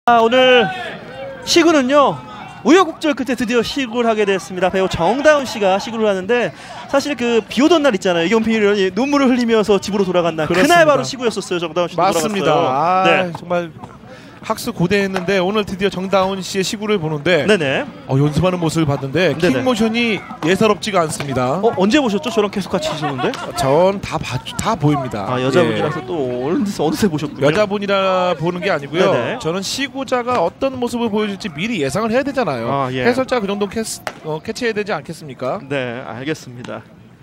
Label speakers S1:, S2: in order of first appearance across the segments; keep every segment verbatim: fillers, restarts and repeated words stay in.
S1: 아, 오늘 시구는요 우여곡절 끝에 드디어 시구를 하게 됐습니다. 배우 정다운 씨가 시구를 하는데 사실 그 비오던 날 있잖아요. 이경필이 눈물을 흘리면서 집으로 돌아간 날 그렇습니다. 그날 바로 시구였었어요. 정다운 씨도
S2: 맞습니다.
S1: 돌아갔어요.
S2: 아,
S1: 네.
S2: 정말 학수 고대했는데 오늘 드디어 정다운 씨의 시구를 보는데
S1: 네네.
S2: 어, 연습하는 모습을 봤는데
S1: 네네.
S2: 킥 모션이 예사롭지가 않습니다.
S1: 어, 언제 보셨죠? 저랑 계속 같이 하셨는데?
S2: 전 다 다 보입니다.
S1: 아, 여자분이라서 예. 또 어느새, 어느새 보셨군요.
S2: 여자분이라 보는 게 아니고요.
S1: 네네.
S2: 저는 시구자가 어떤 모습을 보여줄지 미리 예상을 해야 되잖아요.
S1: 아, 예.
S2: 해설자 그 정도 캐스, 어, 캐치해야 되지 않겠습니까?
S1: 네, 알겠습니다.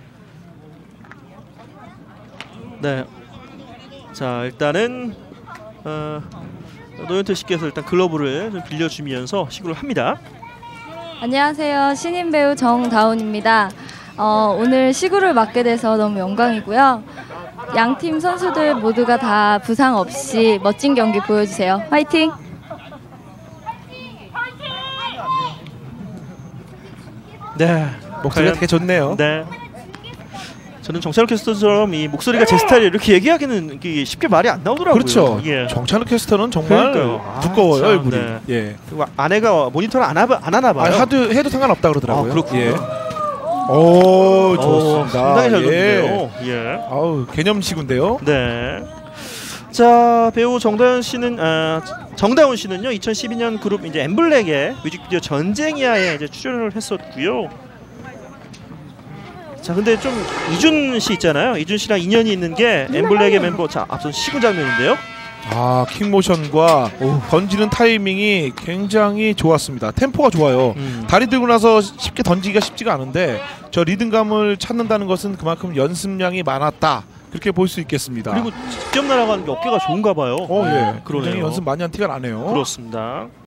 S1: 네, 자 일단은 어, 노현태 씨께서 일단 글러브를 좀 빌려주면서 시구를 합니다.
S3: 안녕하세요. 신인 배우 정다운입니다. 어, 오늘 시구를 맡게 돼서 너무 영광이고요. 양팀 선수들 모두가 다 부상 없이 멋진 경기 보여주세요. 화이팅!
S1: 네,
S2: 목소리가 되게 좋네요.
S1: 네. 저는 정찬욱 캐스터처럼 이 목소리가 제 스타일이 이렇게 얘기하기는 쉽게 말이 안 나오더라고요.
S2: 그렇죠.
S1: 예.
S2: 정찬욱 캐스터는 정말
S1: 그러니까요.
S2: 두꺼워요.
S1: 아,
S2: 얼굴이.
S1: 네.
S2: 예.
S1: 아내가 모니터를 안, 하, 안 하나 봐요.
S2: 아, 하도 해도 상관없다 그러더라고요.
S1: 아, 그렇군요.
S2: 예. 오, 좋습니다.
S1: 오, 상당히 잘 던지네요.
S2: 예.
S1: 예.
S2: 아우, 개념시구인데요.
S1: 네. 자, 배우 정다운 씨는 아, 정다운 씨는요 이천십이 년 그룹 이제 엠블랙의 뮤직비디오 전쟁이야에 이제 출연을 했었고요. 자, 근데 좀 이준 씨 있잖아요. 이준 씨랑 인연이 있는 게 엠블랙의 멤버. 자, 앞선 시구 장면인데요.
S2: 아, 킥모션과 오, 던지는 타이밍이 굉장히 좋았습니다. 템포가 좋아요.
S1: 음.
S2: 다리 들고 나서 쉽게 던지기가 쉽지가 않은데 저 리듬감을 찾는다는 것은 그만큼 연습량이 많았다. 그렇게 볼 수 있겠습니다.
S1: 그리고 직접 날아가는 게 어깨가 좋은가 봐요.
S2: 어, 예.
S1: 그러네요.
S2: 연습 많이 한 티가 나네요.
S1: 그렇습니다.